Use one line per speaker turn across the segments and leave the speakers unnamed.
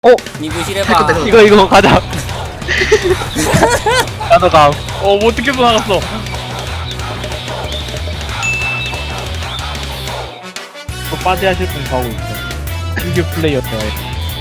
니부실해봐.
이거 가자. 나도 가.
뭐 어떻게 나갔어? 또 빠지하실 분 가고 있어. 신규 플레이어 대화에.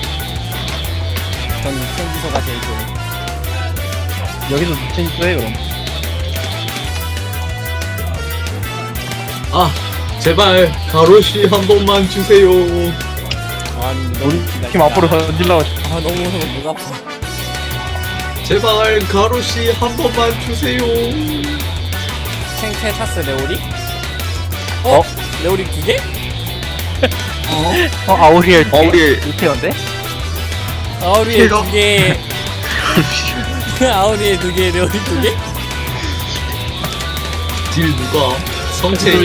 전 생기소가 제일 좋아.
여기서 미친이 또 해, 그럼.
아 제발 가로시 한 번만 주세요.
아니
우리
나
팀 앞으로 던질라고.
아 너무 무서워. 목 아파.
제발 가로시 한 번만 주세요.
탱테타스 레오리?
어?
레오리 2개?
아우리엘.
아우리엘.
루테온데?
아우리에
제가-
2개. 아우리에 2개, 레오리 2개?
딜 누가? 성체.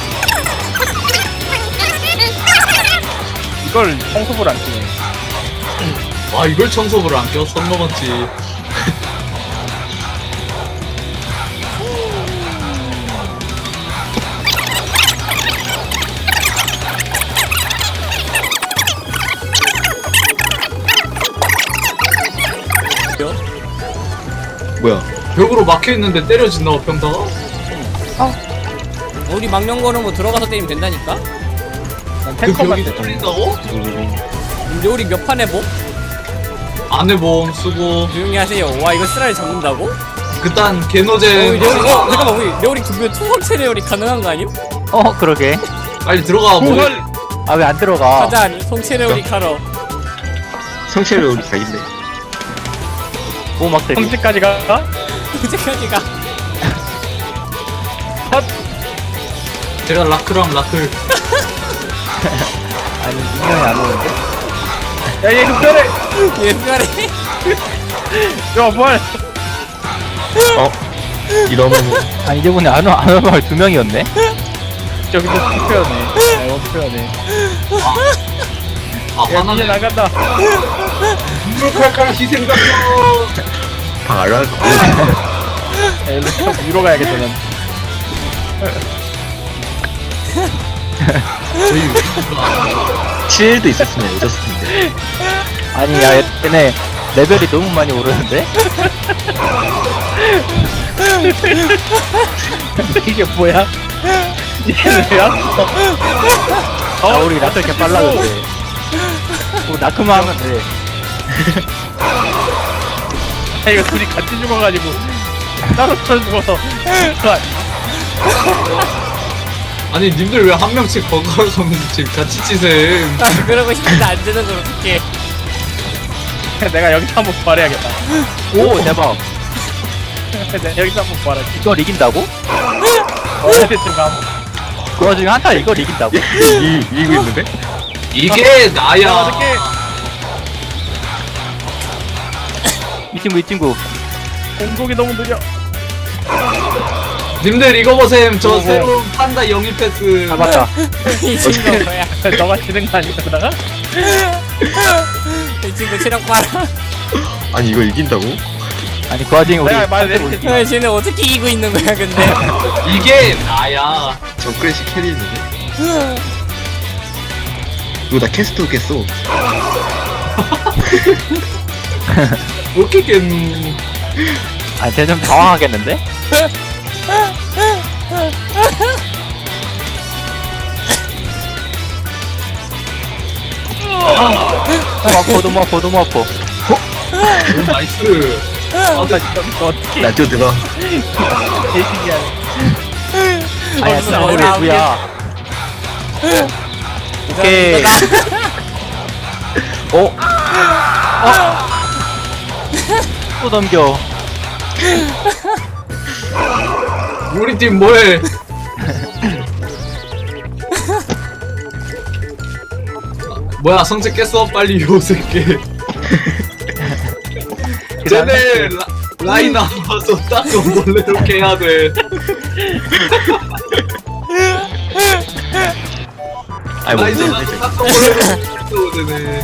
이걸 청소부를 안 끼네.
아 이걸 청소부를 안 껴? 선 넘었지. 뭐야? 벽으로 막혀있는데 때려진다고 평타가?
우리 망령거는 뭐 들어가서 때리면 된다니까?
난
그
탱커만
벽이
돼.
뚫린다고?
레오리 몇 판 해보?
안해봄 쓰고
조용히 하세요. 와 이거 쓰라리 잡는다고?
그딴 개노잼
레오리, 잠깐만 우리 레오리 2개 투성체 레오리 가능한 거 아님?
그러게.
빨리 들어가. 뭐
아, 왜 안 들어가?
가자 성체 레오리 카러.
성체를 우리가 있네.
보호막 대비.
성체까지 가?
언제까지 가?
제가 라크랑 라클.
아니, 인형이 안 오는데?
야, 얘 흡혈해!
옛날에
야, 뭐야!
이러면
아니, 이번에 안 오는 말 2명이었네?
저기도 흡혈하네. 야, 이거 흡혈하네.
아
야, 이제
화나네.
나간다.
칼칼 희생각이야.
알아?
야, 일로 좀 위로 가야겠다, 난.
저희 왜
7도 있었으면 잊었을 텐데.
아니, 야, 얘네 레벨이 너무 많이 오르는데?
이게 뭐야? 얘는 왜 왔어?
아, 우리 라클 이렇게 빨라졌대. 나크만 하면 돼.
야, 이거 둘이 같이 죽어가지고. 따로 죽어서.
아니 님들 왜 한 명씩 번갈아서 지금 같이 치셈.
아 그러고 싶은데 안 되는 걸 어떡해.
내가 여기서 한번 말해야겠다.
오, 대박.
내가 여기서 한번 말할게.
이걸 이긴다고?
어떻게 가?
그 와중에 한타 이걸 이긴다고?
이기고 있는데?
이게 나야.
어떻게?
이 친구.
공속이 너무 느려.
님들 이거 보셈. 저
뭐.
새로운 판다 영입 패스.
잡았다.
이 친구 뭐야?
너가 지는 거 아니야, 그러다가?
이 친구 체력 봐라.
아니 이거 이긴다고?
아니, 그 와중에 우리.
내가 말했지.
야, 쟤네 어떻게 이기고 있는 거야 근데?
이게 나야.
정크래시 캐리 있는데? 이거 나 캐스트 깼어.
어떻게 깼누.
아, 쟤 좀 당황하겠는데? 너무 아파.
나이스.
나 진짜 이거 어떻게
나 뛰어들어.
개신기하네.
아니야, 진짜 우리 누구야. 오케이. 또 넘겨.
우리 팀 뭐해? 뭐야 성체 깼어? 빨리 요 새끼. 쟤네 라인 나와서 닦고 몰래 이렇게 해야 돼.
아니 뭐
라인
이제
나와서 닦고 몰래 이렇게 해야 돼.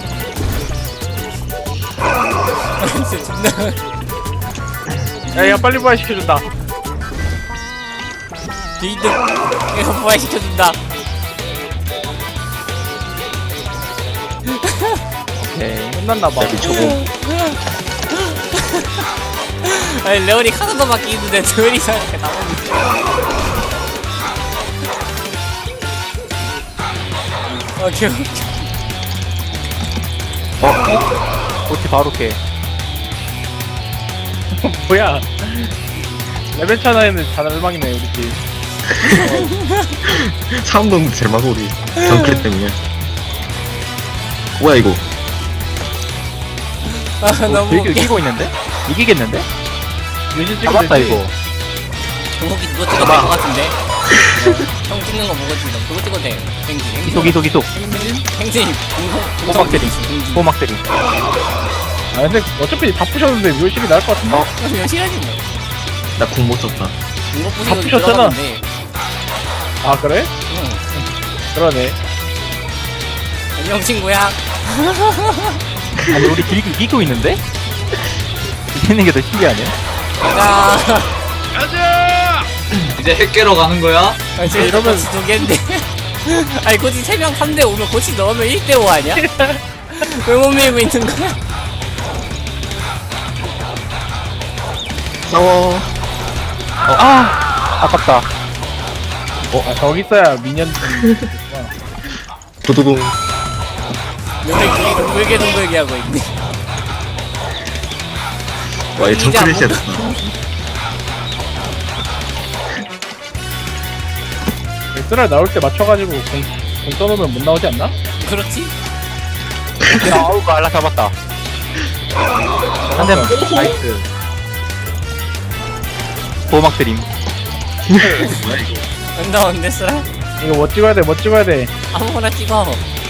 진짜 존나.
야, 야, 빨리 부활시켜준다.
뒤득 이거 부활시켜준다.
오케이.
끝났나봐.
야 미쳐고.
아니 레오리 카드밖에 있는데 레오리 이상하게 나오는데. 오케이.
어떻게 바로 캐.
뭐야? 레벨 차나에는 자살망이네 우리 팀.
사람 넣는 제마소리. 정클 때문에. 뭐야 이거?
아 너무 웃겨.
이기고 있는데? 이기겠는데?
유신 찍으면
잡았다
되지.
이거.
정국이 그거 찍어도 될 것 같은데. 형 찍는 거 보고 찍어. 그거 찍어도 돼. 행진.
이속.
행진.
호막 때리. 호막 때리.
아 근데 어차피 다 부셨는데 묘실이 나을 것 같은데.
그냥 싫어지 뭐.
나 궁 못 썼다.
이거
다
부시고
부셨잖아.
들어갔는데.
아 그래?
응.
그러네.
안녕 친구야.
아니 우리 이기고 있는데? 이기는 게 더 신기하네.
자.
이제 핵 깨러 가는 거야?
아, 지금
이러면-
고치 두 개인데. 아니 고치 3명 3대 5면 고치 넣으면 1대 5 아니야? 왜 못 밀고 있는 거야?
싸워.
아깝다.
아 저기 있어야 미년.
도도동.
요새 둘이 동글게 하고 있네.
와, 얘 정클
이제 안
됐다.
쓰랄 나올 때 맞춰가지고 공 써놓으면 못 나오지 않나?
그렇지?
아우 알라 잡았다. 한 대만. 나이스. 보호막 드림.
안 나오는데 쓰라?
이거 뭐 찍어야 돼? 뭐 찍어야 돼?
아무거나 찍어.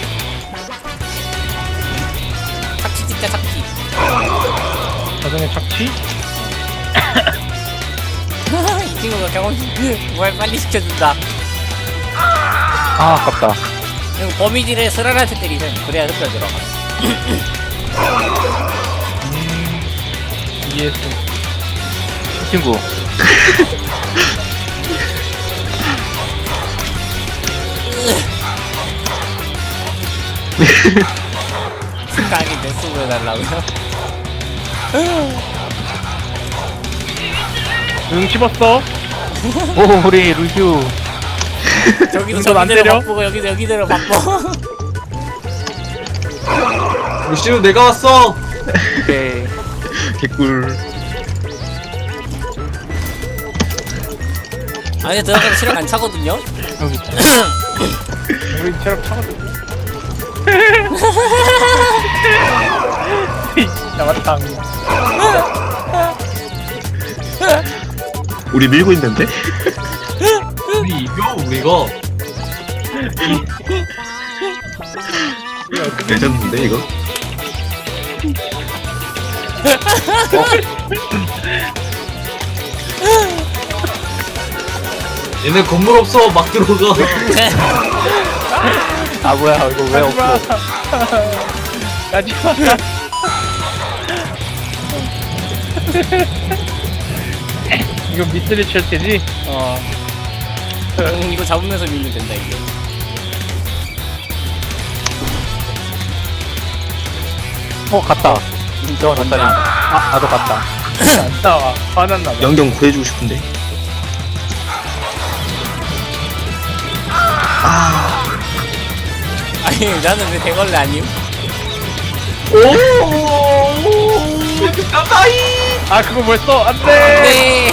착취 찍자 착취.
자전의 착취?
이 친구가 경험치 뭘 빨리 시켜준다.
아깝다.
그리고 범위질에 쓰라한테 때리면 그래야 흡혈 들어가.
ES.
이 친구.
생각이 내 속을 해달라고요?
응 씹었어.
오 우리 루슈.
저기도
전안
저기대로
때려?
바쁘고 여기도 여기대로 바빠.
루시우 내가 왔어.
오케이.
개꿀.
아니 들어가서 실력 안 차거든요?
여기 있다.
우리 체력 차거든. 나왔다.
우리 밀고 있는데?
우리 이겨 우리가.
레전드인데 이거?
얘네 건물 없어 막 들어가.
아 뭐야 이거 왜 없어?
가지마. 이거 미스리 칠테지?
이거 잡으면서 밀면 된다 이게.
갔다. 저 갔다니. 나도 갔다.
안 나와. 화났나 봐.
영경 구해주고 싶은데.
아니 나는 왜 대걸레 아님?
아 그거 뭘 써? 안돼.
네.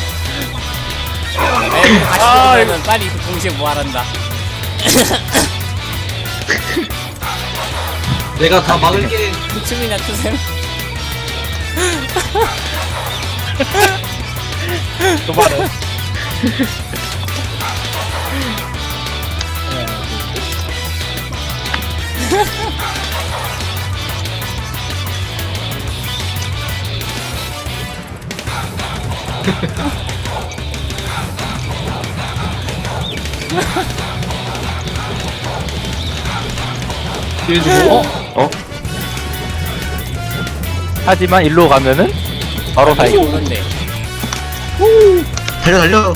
에이, 다시
아,
들으면 빨리 그 동시에 뭐하란다.
내가 다 막을게.
춤이나 추셈.
도발은.
뒤에 주고.
하지만 일로 가면은 바로
다시
사이.
오는데.
달려.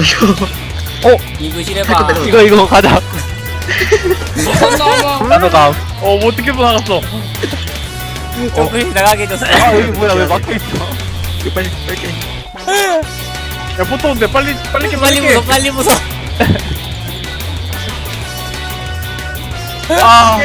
이거 실해봐.
이거 가자. 나도 가.
뭐 어떻게 나갔어?
조금씩 나가게 해줬어.
아 여기 뭐야 왜 막혀있어.
이거 빨리 뺄게.
야 보통 근데 빨리
빨리
빨리
부숴, 빨리 부숴.
아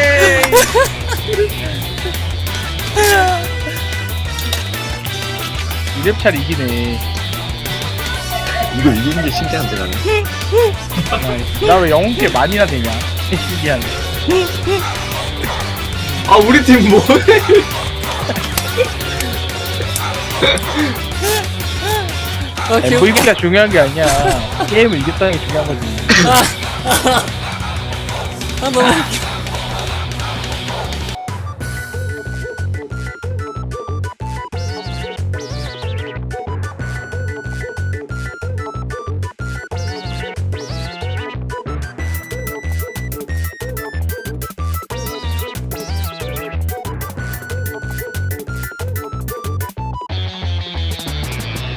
이랩차를 이기네.
이거 이기는 게 신기한데 나는.
나 왜 영웅캐 많이나 되냐? 신기하네.
아 우리 팀 뭐해?
아니, VP가 중요한 게 아니야. 게임을 이겼다는 게 중요한 거지.
아, 너무 웃겨.